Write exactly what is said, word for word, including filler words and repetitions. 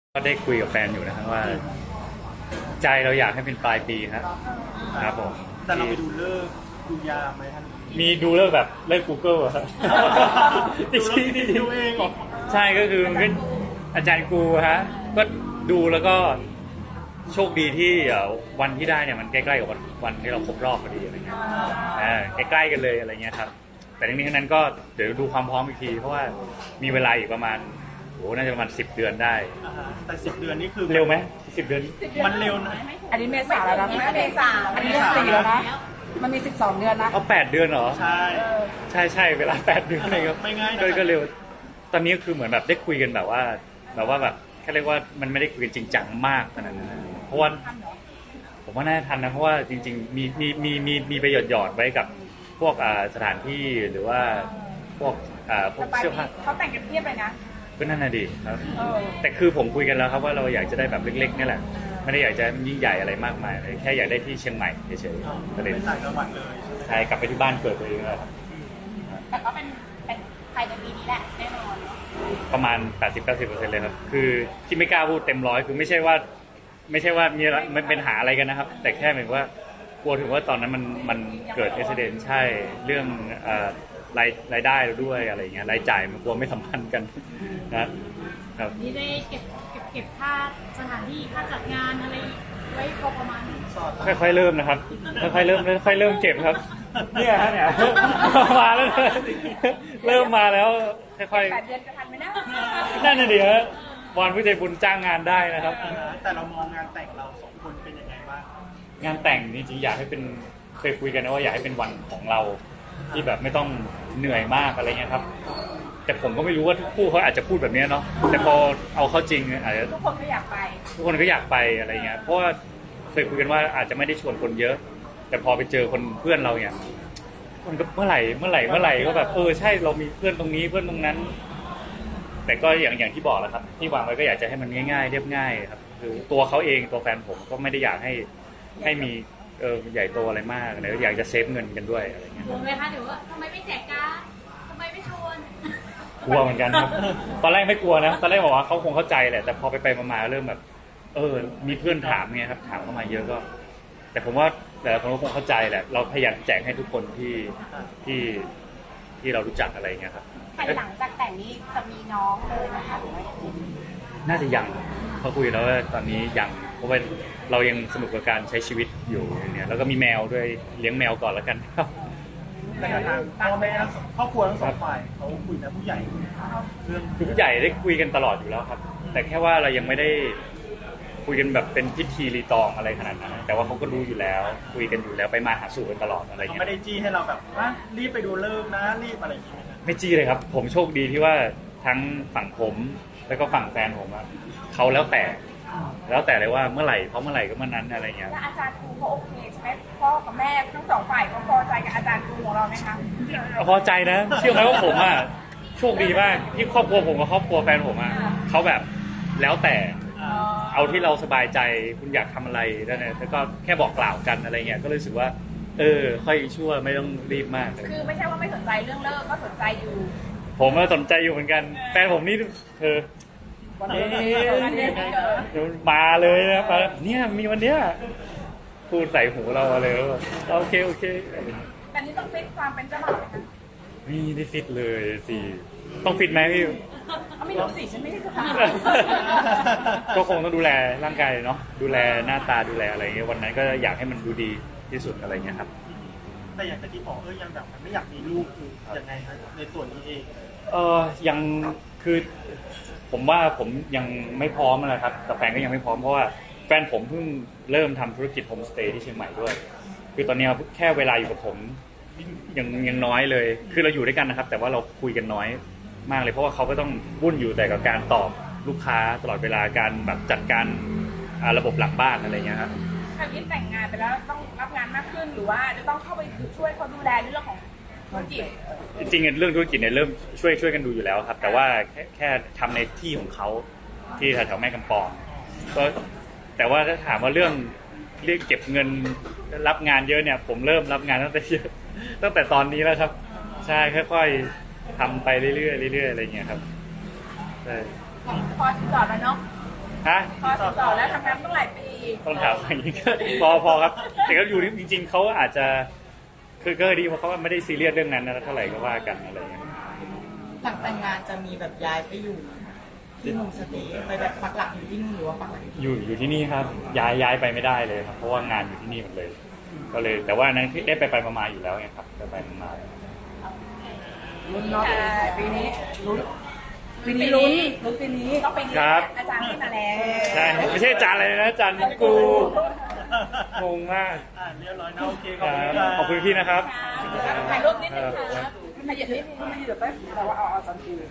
ก็ได้คุยกับแฟนอยู่นะครับว่าใจเราอยากให้เป็นปลายปีครับครับผมแต่เราไปดูเลิกษ์ดูยามไหมท่านมีดูเลิกแบบเลิก Google ครับจริงจริงดูเองเหรอใช่ก็คือเป็นอาจารย์กูฮะก็ดูแล้วก็โชคดีที่วันที่ได้เนี่ยมันใกล้ๆกับวันวันที่เราครบรอบพอดีอะไรเงี้ยอ่าใกล้ๆกันเลยอะไรเงี้ยครับแต่ทั้งนี้ทั้งนั้นก็เดี๋ยวดูความพร้อมอีกทีเพราะว่ามีเวลาอีกประมาณโอ้น่าจะประมาณสิบเดือนได้แต่สิบเดือนนี่คือเร็วไหมสิบเดือนมันเร็วนะอันนี้เมษาแล้วนะเมษาอันนี้สี่แล้วนะมันมีสิบสองเดือนนะเอาแปดเดือนเหรอใช่ใช่ใช่เวลาแปดเดือนเลยครับไม่ง่ายก็เร็วตอนนี้คือเหมือนแบบได้คุยกันแบบว่าแบบว่าแบบแค่เรียกว่ามันไม่ได้คุยกันจริงจังมากขนาดนั้นเพราะว่าผมว่าน่าจะทันนะเพราะว่าจริงๆมีมีมีมีมีไปหยอดหยอดไว้กับพวกอ่าสถานที่หรือว่าพวกอ่าพวกเสื้อผ้าเขาแต่งกันเทียบเลยนะก็นั่นน่ะดีครับแต่คือผมคุยกันแล้วครับว่าเราอยากจะได้แบบเล็กๆนี่แหละไม่ได้อยากจะยิ่งใหญ่อะไรมากมายเลยแค่อยากได้ที่เชียงใหม่เฉยๆก็เลยต่างจังหวัดเลยใช่กลับไปที่บ้านเกิดตัวเองเลยครับแต่ก็เป็นเป็นภายในปีนี้แหละแน่นอนประมาณ แปดสิบถึงเก้าสิบเปอร์เซ็นต์ เลยครับคือที่ไม่กล้าพูดเต็มร้อยคือไม่ใช่ว่าไม่ใช่ว่ามีมันเป็นหาอะไรกันนะครับแต่แค่เหมือนว่ากลัวถึงว่าตอนนั้นมันมันเกิดอุบัติเหตุใช่เรื่องรายรายได้เราด้วยอะไรเงี้ยรายจ่ายมันกลัวไม่สัมพันธ์กันนะครับนี่ได้เก็บเก็บเก็บค่าสถานที่ค่าจัดงานอะไรไว้พอประมาณค่อยๆเริ่มนะครับค่อยๆเริ่มค่อยๆเริ่มเก็บครับเนี่ยฮะเนี่ยมาแล้วเริ่มมาแล้วค่อยๆแปดเดือนจะทันไหมนะนั่นน่ะดิฮะวอนผู้ใจบุญจ้างงานได้นะครับแต่เรามองงานแต่งเราสองคนเป็นยังไงบ้างงานแต่งจริงๆอยากให้เป็นเคยคุยกันนะว่าอยากให้เป็นวันของเราที่แบบไม่ต้องเหนื่อยมากอะไรเงี้ยครับแต่ผมก็ไม่รู้ว่าทุกคู่เขาอาจจะพูดแบบนี้เนาะแต่พอเอาเข้าจริงอาจจะทุกคนก็อยากไปทุกคนก็อยากไปอะไรเงี้ยเพราะว่าเคยคุยกันว่าอาจจะไม่ได้ชวนคนเยอะแต่พอไปเจอคนเพื่อนเราเนี่ยคนก็เมื่อไหร่เมื่อไหร่เมื่อไหร่ก็แบบเออใช่เรามีเพื่อนตรงนี้เพื่อนตรงนั้นแต่ก็อย่างอย่างที่บอกแล้วครับที่วางไว้ก็อยากจะให้มันง่ายๆเรียบง่ายครับคือตัวเขาเองตัวแฟนผมก็ไม่ได้อยากให้ให้มีเออใหญ่โตอะไรมากเลยอยากจะเซฟเงินกันด้วยอะไรเงี้ยกลัวไหมคะเดี๋ยวว่าทำไมไม่แจกการ์ดทำไมไม่ชวนกลัวเหมือนกันครับตอนแรกไม่กลัวนะตอนแรกบอกว่าเขาคงเข้าใจแหละแต่พอไปไปมาๆเริ่มแบบเออมีเพื่อนถามไงครับถามเข้ามาเยอะก็แต่ผมว่าแต่ละคนก็คงเข้าใจแหละเราพยายามแจกให้ทุกคนที่ที่ที่เรารู้จักอะไรเงี้ยครับหลังจากแต่งนี้จะมีน้องเลยนะคะหรือว่าน่าจะยังพอคุยแล้วว่าตอนนี้ยังเพราะว่าเรายังสนุกกับการใช้ชีวิตอยู่เนี่ยแล้วก็มีแมวด้วยเลี้ยงแมวก่อนแล้วกันครับแต่ทางพ่อแม่ครอบครัวทั้งสองฝ่ายเขาคุยนะผู้ใหญ่เรื่องคือผู้ใหญ่ได้คุยกันตลอดอยู่แล้วครับแต่แค่ว่าเรายังไม่ได้คุยกันแบบเป็นพิธีรีตองอะไรขนาดนั้นแต่ว่าเขาก็รู้อยู่แล้วคุยกันอยู่แล้วไปมาหาสู่กันตลอดอะไรเงี้ยไม่ได้จี้ให้เราแบบว่ารีบไปดูเลิกนะรีบอะไรอย่างเงี้ยไม่จี้เลยครับผมโชคดีที่ว่าทั้งฝั่งผมแล้วก็ฝั่งแฟนผมอะเขาแล้วแต่แล้วแต่เลยว่าเมื่อไหร่เพราะเมื่อไหร่ก็เมื่อนั้นอะไรเงี้ยแล้วอาจารย์ครูเขาโอเคใช่ไหมพ่อกับแม่ทั้งสองฝ่ายเขาพอใจกับอาจารย์ครูของเราไหมคะพอใจนะเชื่อไหมว่าผมอะโชคดีมากที่ครอบครัวผมกับครอบครัวแฟนผมอะเขาแบบแล้วแต่เอาที่เราสบายใจคุณอยากทำอะไรนั่นแหละแล้วก็แค่บอกกล่าวกันอะไรเงี้ยก็รู้สึกว่าเออค่อยชั่วไม่ต้องรีบมากคือไม่ใช่ว่าไม่สนใจเรื่องเลิกก็สนใจอยู่ผมก็สนใจอยู่เหมือนกันแฟนผมนี่เธอวันนี้มาเลยนะมาเนี่ยมีวันเนี้ยพูดใส่หูเราเลยโอเคโอเคแต่นี้ต้องฟิตความเป็นเจ้าบ่าวไหมคะนี่ได้ฟิตเลยสิต้องฟิตไหมพี่ไม่รู้สิฉันไม่ใช่เจ้าบ่าวก็คงต้องดูแลร่างกายเนาะดูแลหน้าตาดูแลอะไรเงี้ยวันนั้นก็อยากให้มันดูดีที่สุดอะไรเงี้ยครับแต่อย่างที่บอกเออยังแบบไม่อยากมีลูกคือยังไงครับในส่วนนี้เองเออยังคือผมว่าผมยังไม่พร้อมนะครับแต่แฟนก็ยังไม่พร้อมเพราะว่าแฟนผมเพิ่งเริ่มทำธุรกิจโฮมสเตย์ที่เชียงใหม่ด้วยคือตอนนี้แค่เวลาอยู่กับผมยังยังน้อยเลยคือเราอยู่ด้วยกันนะครับแต่ว่าเราคุยกันน้อยมากเลยเพราะว่าเขาก็ต้องวุ่นอยู่แต่กับการตอบลูกค้าตลอดเวลาการแบบจัดการระบบหลังบ้านอะไรเงี้ยครับถ้ายิ่งแต่งงานไปแล้วต้องรับงานมากขึ้นหรือว่าจะต้องเข้าไปช่วยเขาดูแลเรื่องของธุรกิจจริงๆเรื่องธุรกิจเนี่ยเริ่มช่วยช่วยกันดูอยู่แล้วครับแต่ว่าแค่แค่ทำในที่ของเขาที่แถวๆแม่กำปองก็แต่ว่าถ้าถามว่าเรื่องเรียกเก็บเงินรับงานเยอะเนี่ยผมเริ่มรับงานตั้งแต่เยอะตั้งแต่ตอนนี้แล้วครับใช่ค่อยๆทำไปเรื่อยๆเรื่อยๆอะไรเงี้ยครับใช่พอจอดแล้วเนาะฮะพอสิบสองแล้วทำงานต้องหลายปีต้องถามอย่างนี้ก็ พอพอครับแต่ก็อยู่ที่จริงๆเขาอาจจะคือก็ดีเพราะเขาไม่ได้ซีเรียสเรื่องนั้นนะเท่าไหร่ก็ว่ากันอะไรอย่างเงี้ยหลังแต่งงานจะมีแบบย้ายไปอยู่ที่โฮมสเตย์ไปแบบปักหลักอยู่ที่นู่นหรือว่าปักหลักอยู่ที่อยู่อยู่ที่นี่ครับย้ายย้ายไปไม่ได้เลยครับเพราะว่างานอยู่ที่นี่หมดเลย ก็เลยแต่ว่านั้นได้ไปไปมาๆอยู่แล้วไงครับไปไปมาลุ้นเนาะปีนี้ลุ้นปีนี้ลุ้นลุ้นปีนี้ต้องไปเรียนอาจารย์ที่มาแล้วใช่ไม่ใช่อาจารย์อะไรนะอาจารย์กูงงมากอ่าเรียบร้อยนะโอเคขคอบรัคุณบครับขอบคุณพี่นะครับถ่ายรูปนิดนึงครับถ่ายรูปนิดนึงแต่ว่าเอาเอาสันติ